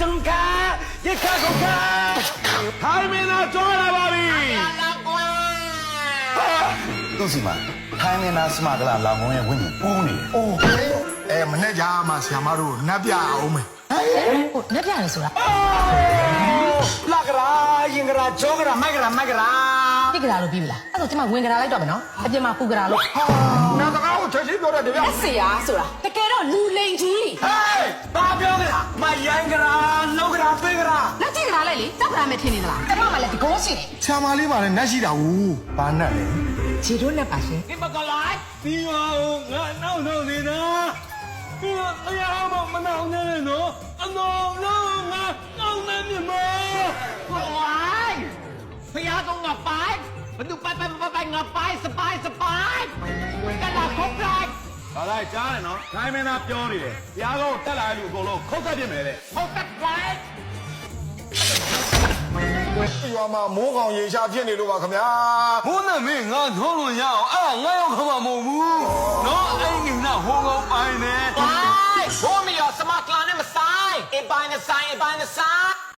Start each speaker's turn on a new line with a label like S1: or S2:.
S1: တုံကာရခါကုန်ကာထိုင်မင်းသားကြောလာပါပြီ
S2: သူ့စီမှာထိုင်းမင်းသားစမကလာလောင်ကုန်းရဲ့ဝိညာဉ်ပူးနေတယ်
S3: အိုးမနဲ့ကြမှာဆရာမတို့နတ်ပြအောင်မယ်
S4: ဟုတ်လက်ပြရဆိုတာ
S1: လာကရာရင်ကရာဂျောကရာမိုက်ကရာမိုက်ကရာ
S4: တိကရာလို့ပြီးပြီလားအဲ့တော့ကျမဝင်ကြလာလိုက်တော့မယ်နော်အပြင်မှာပူကြလာလို့
S3: နာတကားကိုချက်ချင်းပြောတဲ့တပြက်
S4: လက်စီယာဆိုတာတကယ်တော့လူလိန်ကြီး
S1: ဟေးဘာပြောကြလားမရိုင်းကရာလောက်ကရာပေးကရာ
S4: လက်ကြည့်ကြလာလိုက်လေတောက်ကြလာမယ်ထင်နေသလားကျမမှလည်းဒီကောရှိတယ်
S3: ဆရာမလေးပါနဲ့နတ်ရှိတာဘူးဘာနတ်လဲ
S4: ခြေတို့နဲ့ပါရှင်
S1: ဒီမကလိုက်ပြီးပါဦးငါနောက်နေတာပြီးတော့တရားမနောက်နေနော်အနော်လုံးငါနောက်နေမြမဟိုင်းဖျားတော့ငါပိုင်ဘယ်သူပိုင်ငါပိုင်စပိုင်ကလာခုတ်လိုက်ဘာလဲကြားတယ်နော်ခိုင်းမင်းသားပြောနေတယ်ဘုရားကောတက်လာတဲ့လူအကုန်လုံးခုတ်သက်ပြင်မယ်တဲ့ခုတ်သက်လိုက်
S3: ရွာမှာမိုးကောင်ရေရှားဖြစ်နေလို့ပါခင်ဗျာ
S1: ဘုန်းနဲ့မင်းငါနှောလို့ရအောင်အဲ့ငါရောက်ခမမဟုတ်ဘူးနော်အဲ့ငါဟိုကောင်ပိုင်နေ
S5: Why? Homie, you're smart, man. I'm a sign. A by the sign, a by the sign.